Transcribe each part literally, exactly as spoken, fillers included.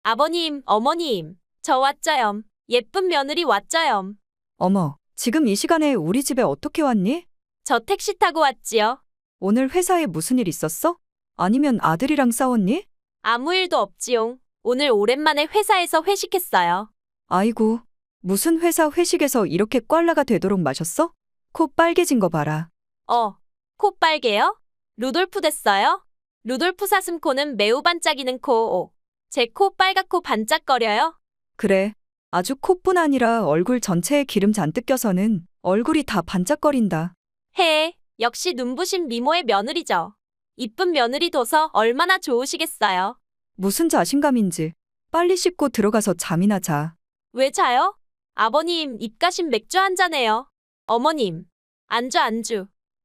아버님, 어머님, 저 왔죠염. 예쁜 며느리 왔죠염. 어머, 지금 이 시간에 우리 집에 어떻게 왔니? 저 택시 타고 왔지요. 오늘 회사에 무슨 일 있었어? 아니면 아들이랑 싸웠니? 아무 일도 없지용. 오늘 오랜만에 회사에서 회식했어요. 아이고, 무슨 회사 회식에서 이렇게 꽐라가 되도록 마셨어? 코 빨개진 거 봐라. 어, 코 빨개요? 루돌프 됐어요? 루돌프 사슴코는 매우 반짝이는 코. 제 코 빨갛고 반짝거려요? 그래, 아주 코뿐 아니라 얼굴 전체에 기름 잔뜩 껴서는 얼굴이 다 반짝거린다. 해, 역시 눈부신 미모의 며느리죠. 이쁜 며느리 둬서 얼마나 좋으시겠어요. 무슨 자신감인지. 빨리 씻고 들어가서 잠이나 자. 왜 자요? 아버님, 입가심 맥주 한 잔해요. 어머님, 안주 안주.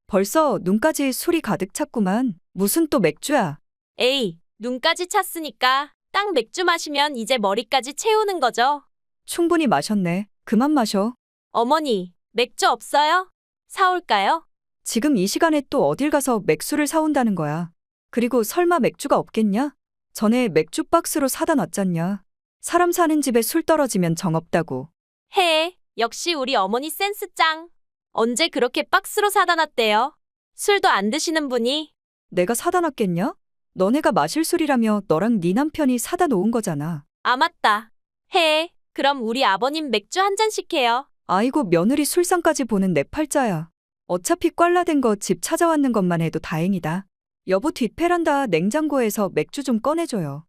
벌써 눈까지 술이 가득 찼구만. 무슨 또 맥주야? 에이, 눈까지 찼으니까 딱 맥주 마시면 이제 머리까지 채우는 거죠. 충분히 마셨네. 그만 마셔. 어머니, 맥주 없어요? 사올까요? 지금 이 시간에 또 어딜 가서 맥주를 사온다는 거야. 그리고 설마 맥주가 없겠냐? 전에 맥주 박스로 사다 놨잖냐. 사람 사는 집에 술 떨어지면 정없다고. 해, 역시 우리 어머니 센스 짱. 언제 그렇게 박스로 사다 놨대요? 술도 안 드시는 분이. 내가 사다 놨겠냐? 너네가 마실 술이라며 너랑 네 남편이 사다 놓은 거잖아. 아, 맞다. 해, 그럼 우리 아버님 맥주 한 잔씩 해요. 아이고 며느리 술상까지 보는 내 팔자야. 어차피 꽐라된 거 집 찾아왔는 것만 해도 다행이다. 여보 뒷베란다 냉장고에서 맥주 좀 꺼내줘요.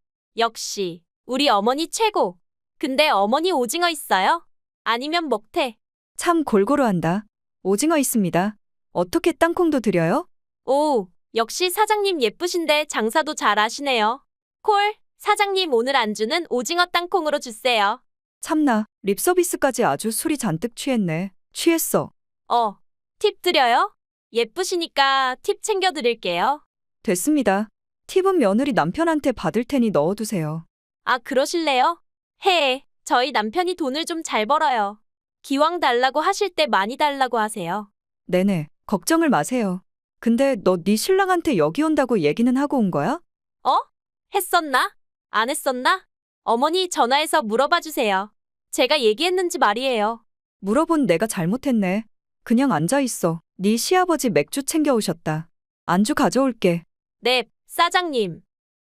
역시 우리 어머니 최고. 근데 어머니 오징어 있어요? 아니면 먹태? 참 골고루 한다. 오징어 있습니다. 어떻게 땅콩도 드려요? 오, 역시 사장님 예쁘신데 장사도 잘 하시네요. 콜, 사장님 오늘 안주는 오징어 땅콩으로 주세요. 참나, 립서비스까지 아주 술이 잔뜩 취했네. 취했어. 어, 팁 드려요? 예쁘시니까 팁 챙겨드릴게요. 됐습니다. 팁은 며느리 남편한테 받을 테니 넣어두세요. 아, 그러실래요? 해, 저희 남편이 돈을 좀 잘 벌어요. 기왕 달라고 하실 때 많이 달라고 하세요. 네네, 걱정을 마세요. 근데 너 네 신랑한테 여기 온다고 얘기는 하고 온 거야? 어? 했었나? 안 했었나? 어머니 전화해서 물어봐 주세요. 제가 얘기했는지 말이에요. 물어본 내가 잘못했네. 그냥 앉아있어. 네 시아버지 맥주 챙겨오셨다. 안주 가져올게. 네, 사장님.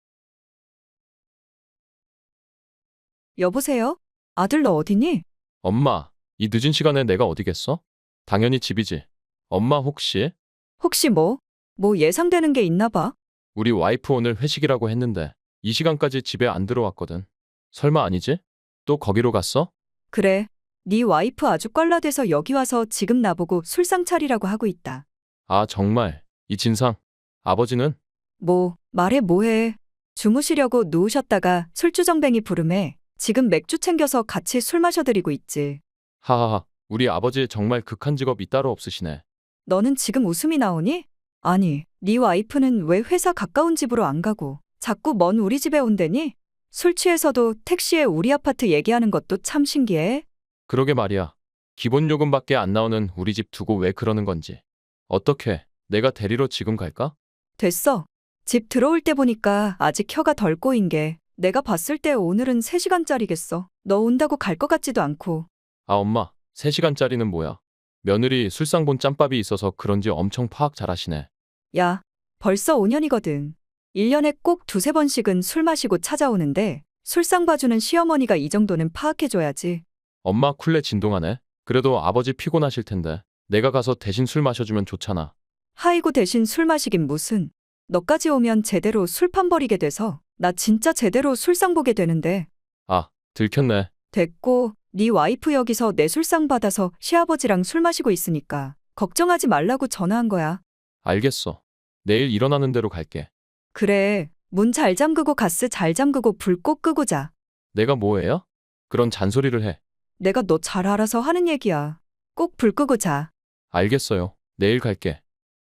여보세요? 아들 너 어디니? 엄마, 이 늦은 시간에 내가 어디겠어? 당연히 집이지. 엄마 혹시 혹시 뭐? 뭐 예상되는 게 있나 봐? 우리 와이프 오늘 회식이라고 했는데 이 시간까지 집에 안 들어왔거든. 설마 아니지? 또 거기로 갔어? 그래. 네 와이프 아주 꽐라돼서 여기 와서 지금 나보고 술상 차리라고 하고 있다. 아, 정말. 이 진상. 아버지는? 뭐, 말해 뭐해. 주무시려고 누우셨다가 술주정뱅이 부름에 지금 맥주 챙겨서 같이 술 마셔드리고 있지. 하하하. 우리 아버지 정말 극한 직업이 따로 없으시네. 너는 지금 웃음이 나오니? 아니, 네 와이프는 왜 회사 가까운 집으로 안 가고 자꾸 먼 우리 집에 온대니? 술 취해서도 택시에 우리 아파트 얘기하는 것도 참 신기해. 그러게 말이야. 기본 요금밖에 안 나오는 우리 집 두고 왜 그러는 건지. 어떻게 내가 데리러 지금 갈까? 됐어. 집 들어올 때 보니까 아직 혀가 덜 꼬인 게 내가 봤을 때 오늘은 세 시간짜리겠어. 너 온다고 갈 것 같지도 않고. 아, 엄마. 세 시간짜리는 뭐야? 며느리 술상 본 짬밥이 있어서 그런지 엄청 파악 잘하시네. 야, 벌써 오 년이거든. 일 년에 꼭 두세 번씩은 술 마시고 찾아오는데 술상 봐주는 시어머니가 이 정도는 파악해줘야지. 엄마 쿨레 진동하네. 그래도 아버지 피곤하실 텐데 내가 가서 대신 술 마셔주면 좋잖아. 하이고 대신 술 마시긴 무슨. 너까지 오면 제대로 술판 버리게 돼서 나 진짜 제대로 술상 보게 되는데. 아, 들켰네. 됐고, 네 와이프 여기서 내 술상 받아서 시아버지랑 술 마시고 있으니까 걱정하지 말라고 전화한 거야. 알겠어. 내일 일어나는 대로 갈게. 그래, 문 잘 잠그고 가스 잘 잠그고 불 꼭 끄고 자. 내가 뭐해요? 그런 잔소리를 해. 내가 너 잘 알아서 하는 얘기야. 꼭 불 끄고 자. 알겠어요. 내일 갈게.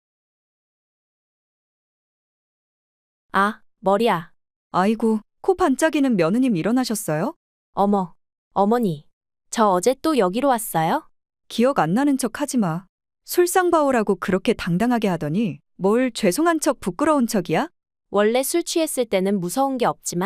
아, 머리야. 아이고, 코 반짝이는 며느님 일어나셨어요? 어머, 어머니. 저 어제 또 여기로 왔어요? 기억 안 나는 척 하지 마. 술상 봐오라고 그렇게 당당하게 하더니 뭘 죄송한 척 부끄러운 척이야? 원래 술 취했을 때는 무서운 게 없지만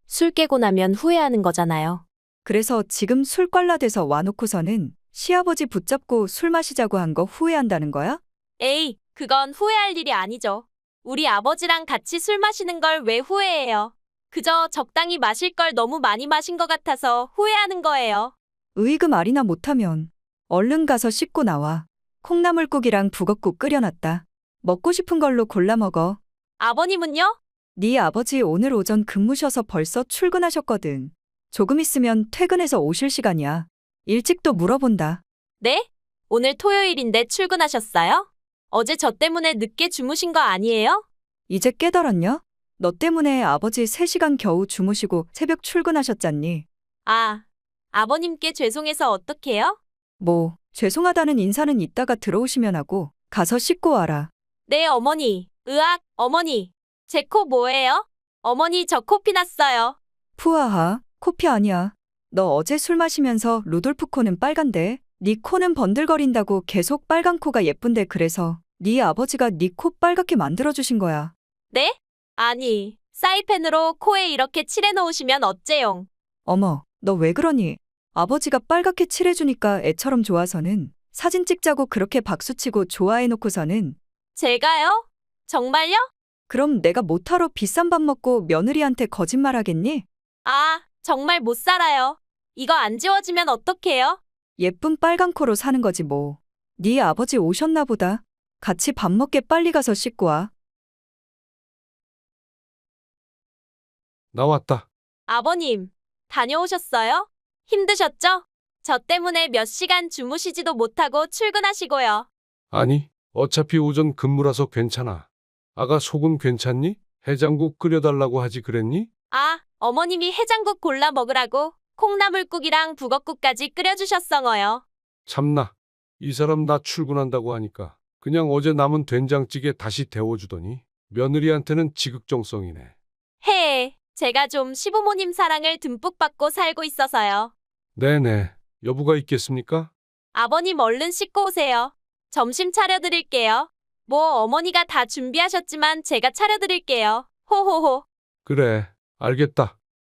술 깨고 나면 후회하는 거잖아요. 그래서 지금 술깔라돼서 와놓고서는 시아버지 붙잡고 술 마시자고 한 거 후회한다는 거야? 에이, 그건 후회할 일이 아니죠. 우리 아버지랑 같이 술 마시는 걸 왜 후회해요? 그저 적당히 마실 걸 너무 많이 마신 것 같아서 후회하는 거예요. 으이그 말이나 못하면 얼른 가서 씻고 나와. 콩나물국이랑 북엇국 끓여놨다. 먹고 싶은 걸로 골라 먹어. 아버님은요? 네 아버지 오늘 오전 근무셔서 벌써 출근하셨거든. 조금 있으면 퇴근해서 오실 시간이야. 일찍도 물어본다. 네? 오늘 토요일인데 출근하셨어요? 어제 저 때문에 늦게 주무신 거 아니에요? 이제 깨달았냐? 너 때문에 아버지 세 시간 겨우 주무시고 새벽 출근하셨잖니. 아, 아버님께 죄송해서 어떡해요? 뭐, 죄송하다는 인사는 이따가 들어오시면 하고 가서 씻고 와라. 네, 어머니. 으악, 어머니. 제 코 뭐예요? 어머니, 저 코피 났어요. 푸아하, 코피 아니야. 너 어제 술 마시면서 루돌프 코는 빨간데 네 코는 번들거린다고 계속 빨간 코가 예쁜데 그래서 네 아버지가 네 코 빨갛게 만들어주신 거야. 네? 아니, 사이펜으로 코에 이렇게 칠해놓으시면 어째용? 어머, 너 왜 그러니? 아버지가 빨갛게 칠해주니까 애처럼 좋아서는 사진 찍자고 그렇게 박수치고 좋아해놓고서는 제가요? 정말요? 그럼 내가 못하러 비싼 밥 먹고 며느리한테 거짓말하겠니? 아, 정말 못 살아요. 이거 안 지워지면 어떡해요? 예쁜 빨간 코로 사는 거지 뭐. 네 아버지 오셨나 보다. 같이 밥 먹게 빨리 가서 씻고 와. 나왔다. 아버님, 다녀오셨어요? 힘드셨죠? 저 때문에 몇 시간 주무시지도 못하고 출근하시고요. 아니, 어차피 오전 근무라서 괜찮아. 아가 속은 괜찮니? 해장국 끓여달라고 하지 그랬니? 아, 어머님이 해장국 골라 먹으라고 콩나물국이랑 북엇국까지 끓여주셨어요. 참나. 이 사람 나 출근한다고 하니까 그냥 어제 남은 된장찌개 다시 데워주더니 며느리한테는 지극정성이네. 해, 제가 좀 시부모님 사랑을 듬뿍 받고 살고 있어서요. 네네. 여부가 있겠습니까? 아버님 얼른 씻고 오세요. 점심 차려드릴게요. 뭐 어머니가 다 준비하셨지만 제가 차려드릴게요. 호호호. 그래. 알겠다.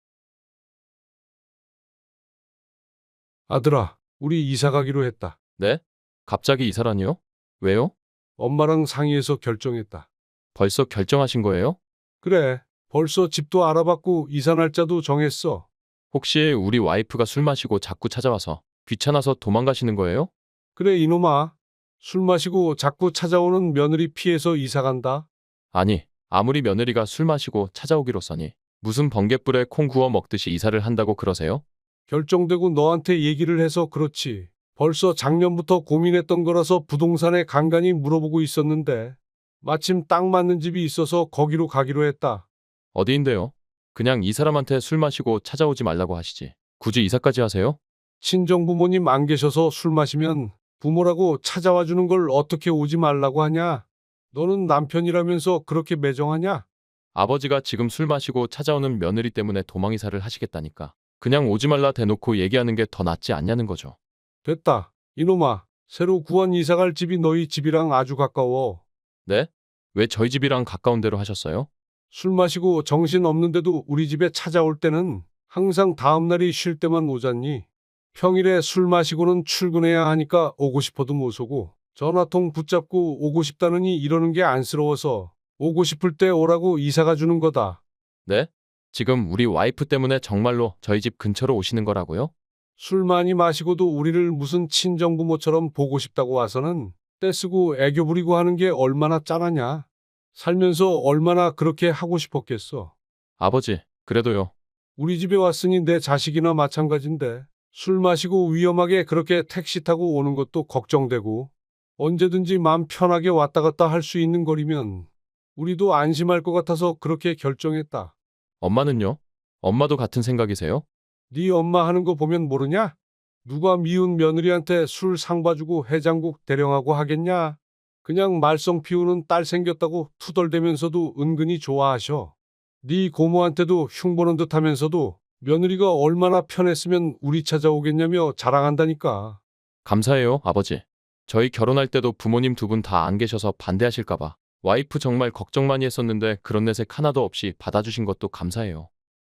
아들아, 우리 이사 가기로 했다. 네? 갑자기 이사라니요? 왜요? 엄마랑 상의해서 결정했다. 벌써 결정하신 거예요? 그래. 벌써 집도 알아봤고 이사 날짜도 정했어. 혹시 우리 와이프가 술 마시고 자꾸 찾아와서 귀찮아서 도망가시는 거예요? 그래 이놈아. 술 마시고 자꾸 찾아오는 며느리 피해서 이사 간다. 아니, 아무리 며느리가 술 마시고 찾아오기로써니 무슨 번갯불에 콩 구워 먹듯이 이사를 한다고 그러세요? 결정되고 너한테 얘기를 해서 그렇지. 벌써 작년부터 고민했던 거라서 부동산에 간간히 물어보고 있었는데 마침 딱 맞는 집이 있어서 거기로 가기로 했다. 어디인데요? 그냥 이 사람한테 술 마시고 찾아오지 말라고 하시지. 굳이 이사까지 하세요? 친정부모님 안 계셔서 술 마시면 부모라고 찾아와 주는 걸 어떻게 오지 말라고 하냐? 너는 남편이라면서 그렇게 매정하냐? 아버지가 지금 술 마시고 찾아오는 며느리 때문에 도망 이사를 하시겠다니까. 그냥 오지 말라 대놓고 얘기하는 게 더 낫지 않냐는 거죠. 됐다. 이놈아. 새로 구한 이사 갈 집이 너희 집이랑 아주 가까워. 네? 왜 저희 집이랑 가까운 데로 하셨어요? 술 마시고 정신 없는데도 우리 집에 찾아올 때는 항상 다음 날이 쉴 때만 오잖니. 평일에 술 마시고는 출근해야 하니까 오고 싶어도 못 오고 전화통 붙잡고 오고 싶다느니 이러는 게 안쓰러워서 오고 싶을 때 오라고 이사가 주는 거다. 네? 지금 우리 와이프 때문에 정말로 저희 집 근처로 오시는 거라고요? 술 많이 마시고도 우리를 무슨 친정부모처럼 보고 싶다고 와서는 떼쓰고 애교 부리고 하는 게 얼마나 짠하냐. 살면서 얼마나 그렇게 하고 싶었겠어. 아버지, 그래도요. 우리 집에 왔으니 내 자식이나 마찬가지인데 술 마시고 위험하게 그렇게 택시 타고 오는 것도 걱정되고 언제든지 마음 편하게 왔다 갔다 할 수 있는 거리면 우리도 안심할 것 같아서 그렇게 결정했다. 엄마는요? 엄마도 같은 생각이세요? 네 엄마 하는 거 보면 모르냐? 누가 미운 며느리한테 술 상 봐주고 해장국 대령하고 하겠냐? 그냥 말썽 피우는 딸 생겼다고 투덜대면서도 은근히 좋아하셔. 네 고모한테도 흉보는 듯 하면서도 며느리가 얼마나 편했으면 우리 찾아오겠냐며 자랑한다니까. 감사해요, 아버지. 저희 결혼할 때도 부모님 두 분 다 안 계셔서 반대하실까봐 와이프 정말 걱정 많이 했었는데 그런 내색 하나도 없이 받아주신 것도 감사해요.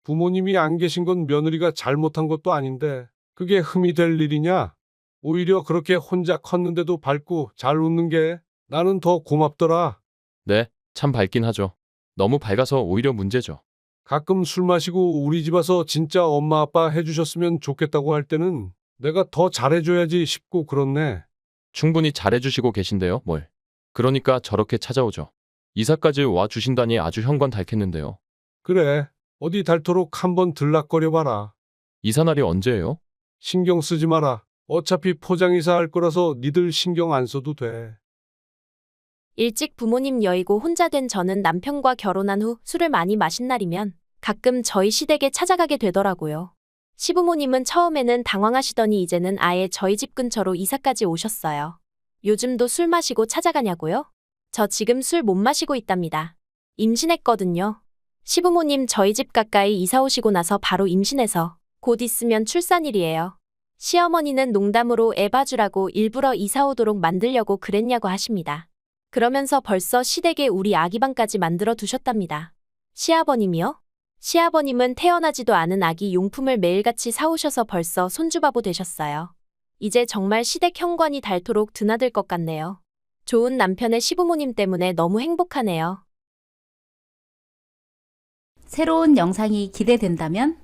부모님이 안 계신 건 며느리가 잘못한 것도 아닌데 그게 흠이 될 일이냐? 오히려 그렇게 혼자 컸는데도 밝고 잘 웃는 게 나는 더 고맙더라. 네, 참 밝긴 하죠. 너무 밝아서 오히려 문제죠. 가끔 술 마시고 우리 집 와서 진짜 엄마 아빠 해주셨으면 좋겠다고 할 때는 내가 더 잘해줘야지 싶고 그렇네. 충분히 잘해주시고 계신데요, 뭘. 그러니까 저렇게 찾아오죠. 이사까지 와 주신다니 아주 형광달겠는데요. 그래, 어디 닳도록 한번 들락거려봐라. 이사 날이 언제예요? 신경 쓰지 마라. 어차피 포장이사 할 거라서 니들 신경 안 써도 돼. 일찍 부모님 여의고 혼자 된 저는 남편과 결혼한 후 술을 많이 마신 날이면 가끔 저희 시댁에 찾아가게 되더라고요. 시부모님은 처음에는 당황하시더니 이제는 아예 저희 집 근처로 이사까지 오셨어요. 요즘도 술 마시고 찾아가냐고요? 저 지금 술 못 마시고 있답니다. 임신했거든요. 시부모님 저희 집 가까이 이사 오시고 나서 바로 임신해서 곧 있으면 출산일이에요. 시어머니는 농담으로 애 봐주라고 일부러 이사 오도록 만들려고 그랬냐고 하십니다. 그러면서 벌써 시댁에 우리 아기방까지 만들어 두셨답니다. 시아버님이요? 시아버님은 태어나지도 않은 아기 용품을 매일같이 사오셔서 벌써 손주바보 되셨어요. 이제 정말 시댁 현관이 닳도록 드나들 것 같네요. 좋은 남편의 시부모님 때문에 너무 행복하네요. 새로운 영상이 기대된다면